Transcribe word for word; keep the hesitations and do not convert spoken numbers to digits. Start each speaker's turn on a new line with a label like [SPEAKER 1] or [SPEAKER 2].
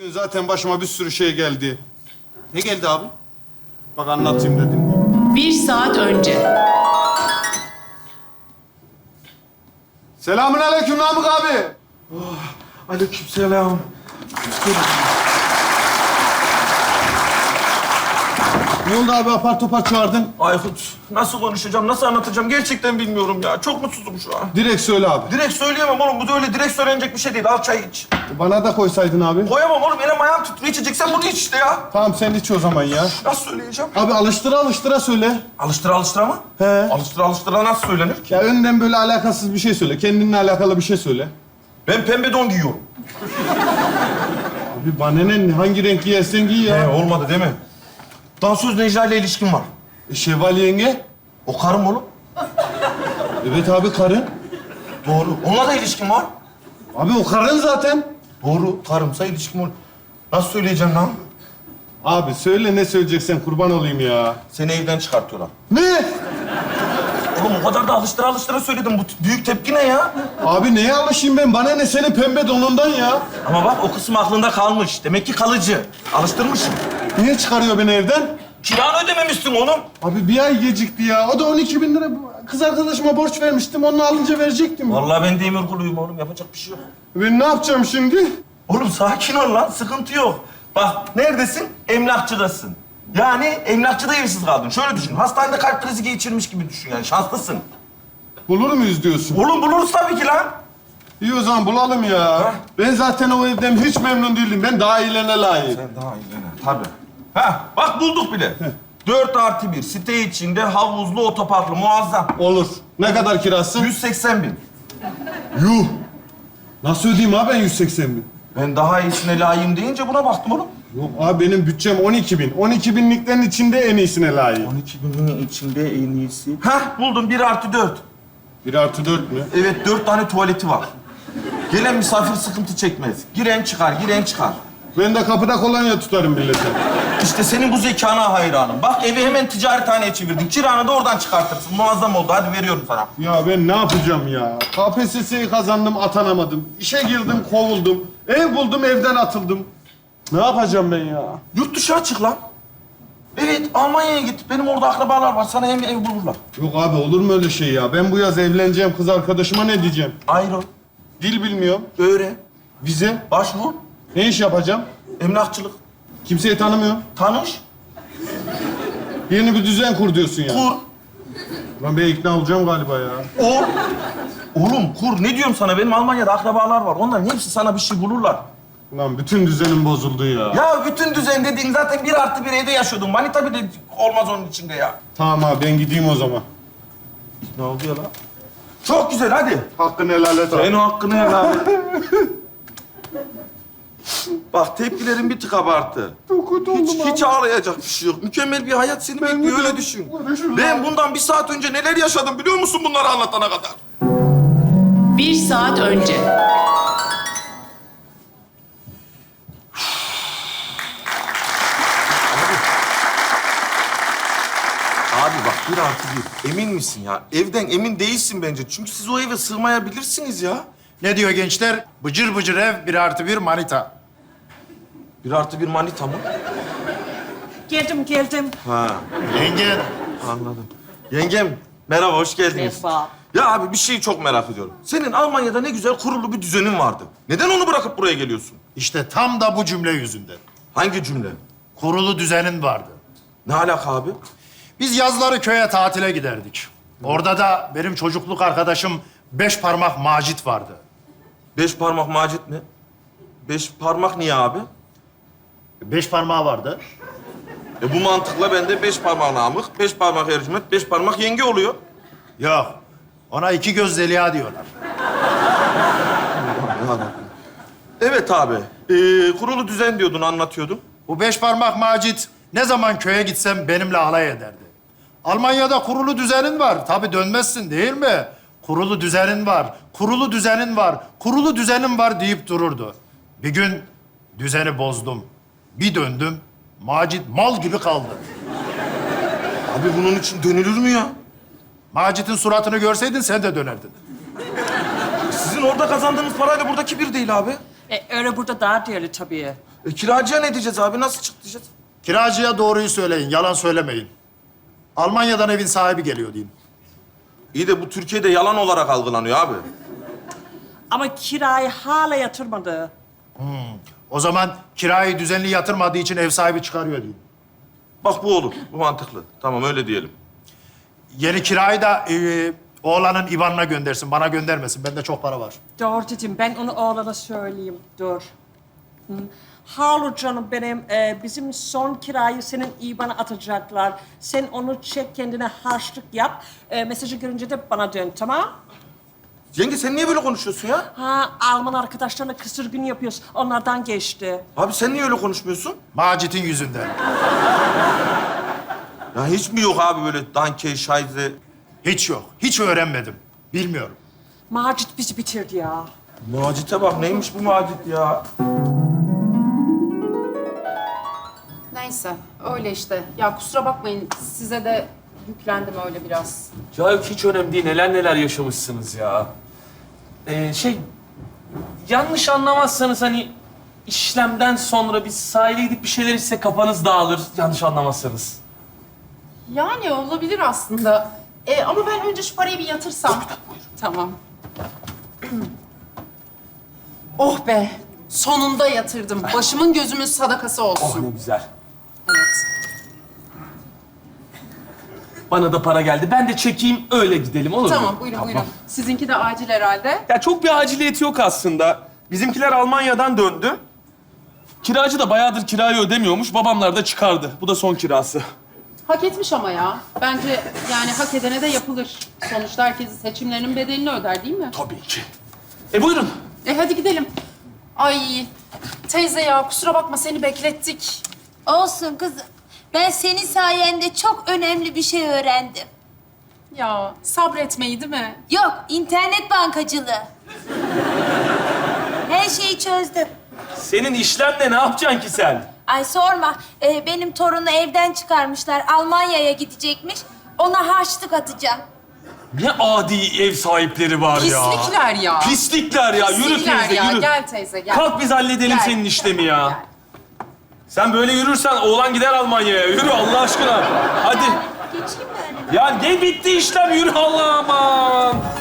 [SPEAKER 1] Bugün zaten başıma bir sürü şey geldi. Ne geldi abi? Bak anlatayım dedim.
[SPEAKER 2] Bir saat önce.
[SPEAKER 1] Selamun aleyküm Namık abi.
[SPEAKER 3] Aleykümselam.
[SPEAKER 1] Ne oldu abi apar topar çağırdın?
[SPEAKER 3] Aykut, nasıl konuşacağım, nasıl anlatacağım gerçekten bilmiyorum ya. Çok mutsuzum şu an.
[SPEAKER 1] Direkt söyle abi.
[SPEAKER 3] Direkt söyleyemem oğlum. Bu da öyle direkt söylenecek bir şey değil. Al çay iç.
[SPEAKER 1] Bana da koysaydın abi.
[SPEAKER 3] Koyamam oğlum. Elim ayağım titriyor. İçeceksen bunu iç işte ya.
[SPEAKER 1] Tamam sen iç o zaman ya.
[SPEAKER 3] Nasıl söyleyeceğim?
[SPEAKER 1] Abi alıştıra alıştıra söyle.
[SPEAKER 3] Alıştıra alıştıra mı?
[SPEAKER 1] He.
[SPEAKER 3] Alıştıra alıştıra nasıl söylenir ki?
[SPEAKER 1] Ya önden böyle alakasız bir şey söyle. Kendinle alakalı bir şey söyle.
[SPEAKER 3] Ben pembe don giyiyorum.
[SPEAKER 1] Abi bana ne? Hangi renk giyersen giy ya.
[SPEAKER 3] He, olmadı değil mi? Dansöz Necla ile ilişkim var.
[SPEAKER 1] E, Şevval yenge.
[SPEAKER 3] O karım oğlum.
[SPEAKER 1] Evet abi karın.
[SPEAKER 3] Doğru. Onunla da ilişkim var.
[SPEAKER 1] Abi o karın zaten.
[SPEAKER 3] Doğru. Karımsa ilişkim olur. Nasıl söyleyeceğim lan?
[SPEAKER 1] Abi söyle ne söyleyeceksen kurban olayım ya.
[SPEAKER 3] Seni evden çıkartıyorlar.
[SPEAKER 1] Ne?
[SPEAKER 3] Oğlum o kadar da alıştıra alıştıra söyledim. Bu büyük tepki ne ya?
[SPEAKER 1] Abi neye alışayım ben? Bana ne senin pembe donundan ya?
[SPEAKER 3] Ama bak o kısım aklında kalmış. Demek ki kalıcı. Alıştırmışım.
[SPEAKER 1] Niye çıkarıyor beni evden?
[SPEAKER 3] Kiranı ödememişsin oğlum.
[SPEAKER 1] Abi bir ay gecikti ya. O da on iki bin lira. Kız arkadaşıma borç vermiştim. Onu alınca verecektim.
[SPEAKER 3] Vallahi ben demir kuluyum oğlum. Yapacak bir şey yok.
[SPEAKER 1] Ben ne yapacağım şimdi?
[SPEAKER 3] Oğlum sakin ol lan. Sıkıntı yok. Bak neredesin? Emlakçıdasın. Yani emlakçıda evsiz kaldın. Şöyle düşün. Hastanede kalp krizi geçirmiş gibi düşün yani. Şanslısın.
[SPEAKER 1] Bulur muyuz diyorsun?
[SPEAKER 3] Oğlum buluruz tabii ki lan.
[SPEAKER 1] İyi o zaman bulalım ya. Ben zaten o evden hiç memnun değilim. Ben daha iyilerine layık.
[SPEAKER 3] Sen daha iyi lan. Tabii. Ha bak bulduk bile. Dört artı bir. Site içinde havuzlu, otoparklı. Muazzam.
[SPEAKER 1] Olur. Ne kadar kirası?
[SPEAKER 3] yüz seksen bin.
[SPEAKER 1] Yuh. Nasıl ödeyeyim abi ben yüz seksen bin?
[SPEAKER 3] Ben daha iyisine layığım deyince buna baktım oğlum.
[SPEAKER 1] Yok abi benim bütçem on iki bin. on iki binliklerin içinde en iyisine layık.
[SPEAKER 3] on iki binin içinde en iyisi. Hah buldum bir artı dört.
[SPEAKER 1] Bir artı dört mü?
[SPEAKER 3] Evet dört tane tuvaleti var. Gelen misafir sıkıntı çekmez. Giren çıkar, giren çıkar.
[SPEAKER 1] Ben de kapıda kolonya tutarım millete.
[SPEAKER 3] İşte senin bu zekana hayranım. Bak evi hemen ticarethaneye çevirdin. Kiranı da oradan çıkartırsın. Muazzam oldu. Hadi veriyorum sana.
[SPEAKER 1] Ya ben ne yapacağım ya? K P S S'yi kazandım, atanamadım. İşe girdim, kovuldum. Ev buldum, evden atıldım. Ne yapacağım ben ya?
[SPEAKER 3] Yurt dışı açık lan. Evet Almanya'ya git. Benim orada akrabalar var. Sana hem ev bulurlar.
[SPEAKER 1] Yok abi olur mu öyle şey ya? Ben bu yaz evleneceğim kız arkadaşıma ne diyeceğim?
[SPEAKER 3] Ayrıl,
[SPEAKER 1] Dil bilmiyorum.
[SPEAKER 3] öğren,
[SPEAKER 1] Vize.
[SPEAKER 3] başvur,
[SPEAKER 1] Ne iş yapacağım?
[SPEAKER 3] emlakçılık,
[SPEAKER 1] Kimseyi tanımıyorum.
[SPEAKER 3] tanış,
[SPEAKER 1] Yeni bir düzen kur diyorsun ya.
[SPEAKER 3] kur.
[SPEAKER 1] Lan ben ikna olacağım galiba ya.
[SPEAKER 3] Ol. Oğlum kur. Ne diyorum sana? Benim Almanya'da akrabalar var. Onların hepsi sana bir şey bulurlar.
[SPEAKER 1] Lan bütün düzenim bozuldu ya.
[SPEAKER 3] Ya bütün düzen dediğin zaten bir artı bir evde yaşıyordun. Manita bile olmaz onun içinde ya.
[SPEAKER 1] Tamam abi ben gideyim o zaman.
[SPEAKER 3] Ne oldu ya lan? Çok güzel hadi.
[SPEAKER 1] Hakkını helal et abi.
[SPEAKER 3] Senin o hakkını helal et. Bak tepkilerin bir tık abartı.
[SPEAKER 1] Çok kötü oldum
[SPEAKER 3] Hiç,
[SPEAKER 1] abi.
[SPEAKER 3] hiç ağlayacak bir şey yok. Mükemmel bir hayat seni bekliyor
[SPEAKER 1] de-
[SPEAKER 3] öyle düşün.
[SPEAKER 1] Düşün
[SPEAKER 3] Ben
[SPEAKER 1] lan.
[SPEAKER 3] bundan bir saat önce neler yaşadım biliyor musun bunları anlatana kadar?
[SPEAKER 2] Bir saat önce.
[SPEAKER 3] Abi bak bir artı bir. Emin misin ya? Evden emin değilsin bence. Çünkü siz o eve sığmayabilirsiniz ya.
[SPEAKER 4] Ne diyor gençler? Bıcır bıcır ev, bir artı bir manita.
[SPEAKER 3] Bir artı bir manita mı?
[SPEAKER 5] Geldim, geldim.
[SPEAKER 3] Ha,
[SPEAKER 4] Yenge,
[SPEAKER 3] anladım. Yengem, merhaba, hoş geldiniz.
[SPEAKER 5] Merhaba.
[SPEAKER 3] Ya abi bir şeyi çok merak ediyorum. Senin Almanya'da ne güzel kurulu bir düzenin vardı. Neden onu bırakıp buraya geliyorsun?
[SPEAKER 4] işte tam da bu cümle yüzünden.
[SPEAKER 3] Hangi cümle?
[SPEAKER 4] Kurulu düzenin vardı.
[SPEAKER 3] Ne alaka abi?
[SPEAKER 4] Biz yazları köye tatile giderdik. Orada da benim çocukluk arkadaşım beş parmak Macit vardı.
[SPEAKER 3] Beş parmak Macit mi? Beş parmak niye abi?
[SPEAKER 4] Beş parmağı vardı.
[SPEAKER 3] E bu mantıkla bende beş parmak Namık, beş parmak Ercüment, beş parmak yenge oluyor.
[SPEAKER 4] Yok, ona iki göz Zeliha diyorlar.
[SPEAKER 3] Evet abi. Ee, kurulu düzen diyordun, anlatıyordun.
[SPEAKER 4] Bu beş parmak Macit ne zaman köye gitsem benimle alay ederdi. Almanya'da kurulu düzenin var. Tabii dönmezsin değil mi? Kurulu düzenin var, kurulu düzenin var, kurulu düzenin var deyip dururdu. Bir gün düzeni bozdum. Bir döndüm, Macit mal gibi kaldı.
[SPEAKER 3] Abi bunun için dönülür mü ya?
[SPEAKER 4] Macit'in suratını görseydin sen de dönerdin.
[SPEAKER 3] Sizin orada kazandığınız parayla buradaki bir değil abi.
[SPEAKER 5] E, öyle burada daha değerli tabii.
[SPEAKER 3] E, kiracıya ne diyeceğiz abi? Nasıl çık diyeceğiz?
[SPEAKER 4] Kiracıya doğruyu söyleyin, yalan söylemeyin. Almanya'dan evin sahibi geliyor deyin.
[SPEAKER 3] İyi de bu Türkiye'de yalan olarak algılanıyor abi.
[SPEAKER 5] Ama kirayı hala yatırmadı.
[SPEAKER 4] O zaman kirayı düzenli yatırmadığı için ev sahibi çıkarıyor deyin.
[SPEAKER 3] Bak bu olur. Bu mantıklı. Tamam öyle diyelim.
[SPEAKER 4] Yeni kirayı da e, oğlanın İban'ına göndersin, bana göndermesin. Bende çok para var.
[SPEAKER 5] Doğru dedim. Ben onu oğlana söyleyeyim. Dur. Hı. Halu canım benim, e, bizim son kirayı senin İBAN'a atacaklar. Sen onu çek, kendine harçlık yap. E, mesajı görünce de bana dön, tamam?
[SPEAKER 3] Yenge sen niye böyle konuşuyorsun ya?
[SPEAKER 5] Ha, Alman arkadaşlarına kısır gün yapıyoruz. Onlardan geçti.
[SPEAKER 3] Abi sen niye öyle konuşmuyorsun?
[SPEAKER 4] Macit'in yüzünden.
[SPEAKER 3] Ya hiç mi yok abi böyle danke, şayze?
[SPEAKER 4] Hiç yok. Hiç öğrenmedim. Bilmiyorum.
[SPEAKER 5] Macit bizi bitirdi ya.
[SPEAKER 3] Macit'e bak neymiş bu Macit ya?
[SPEAKER 6] Neyse, öyle işte. Ya kusura bakmayın, size de yüklendim öyle biraz.
[SPEAKER 7] Ya yok hiç önemli değil. Neler neler yaşamışsınız ya. Ee, şey, yanlış anlamazsanız hani işlemden sonra biz sahile gidip bir şeyler içsek kafanız dağılır. Yanlış anlamazsanız.
[SPEAKER 6] Yani olabilir aslında. Ee, ama ben önce şu parayı bir yatırsam. Tamam. Oh be, sonunda yatırdım. Başımın gözümün sadakası
[SPEAKER 7] Oh
[SPEAKER 6] olsun.
[SPEAKER 7] ne güzel.
[SPEAKER 6] Evet.
[SPEAKER 7] Bana da para geldi. Ben de çekeyim öyle gidelim olur mu?
[SPEAKER 6] Tamam, buyurun buyurun. Sizinki de acil herhalde.
[SPEAKER 7] Ya çok bir aciliyeti yok aslında. Bizimkiler Almanya'dan döndü. Kiracı da bayağıdır kirayı ödemiyormuş. Babamlar da çıkardı. Bu da son kirası.
[SPEAKER 6] Hak etmiş ama ya. Bence yani hak edene de yapılır. Sonuçta herkes seçimlerinin bedelini öder değil mi?
[SPEAKER 7] Tabii ki. E buyurun.
[SPEAKER 6] E hadi gidelim. Ay teyze ya kusura bakma seni beklettik.
[SPEAKER 8] Olsun kızım. Ben senin sayende çok önemli bir şey öğrendim.
[SPEAKER 6] Ya sabretmeyi değil mi?
[SPEAKER 8] Yok, internet bankacılığı. Her şeyi çözdüm.
[SPEAKER 7] Senin işlemle ne yapacaksın ki sen?
[SPEAKER 8] Ay sorma, ee, benim torunu evden çıkarmışlar. Almanya'ya gidecekmiş. Ona harçlık atacağım.
[SPEAKER 7] Ne adi ev sahipleri var ya.
[SPEAKER 6] Pislikler ya.
[SPEAKER 7] Pislikler ya. Yürü
[SPEAKER 6] Pislikler
[SPEAKER 7] teyze,
[SPEAKER 6] ya.
[SPEAKER 7] yürü.
[SPEAKER 6] Gel teyze gel.
[SPEAKER 7] Kalk biz halledelim
[SPEAKER 6] Gel.
[SPEAKER 7] senin işlemi ya.
[SPEAKER 6] Gel.
[SPEAKER 7] Sen böyle yürürsen oğlan gider Almanya'ya. Yürü Allah aşkına. Hadi.
[SPEAKER 8] Geçeyim mi öyle?
[SPEAKER 7] Ya ne bitti işlem? Yürü Allah aman.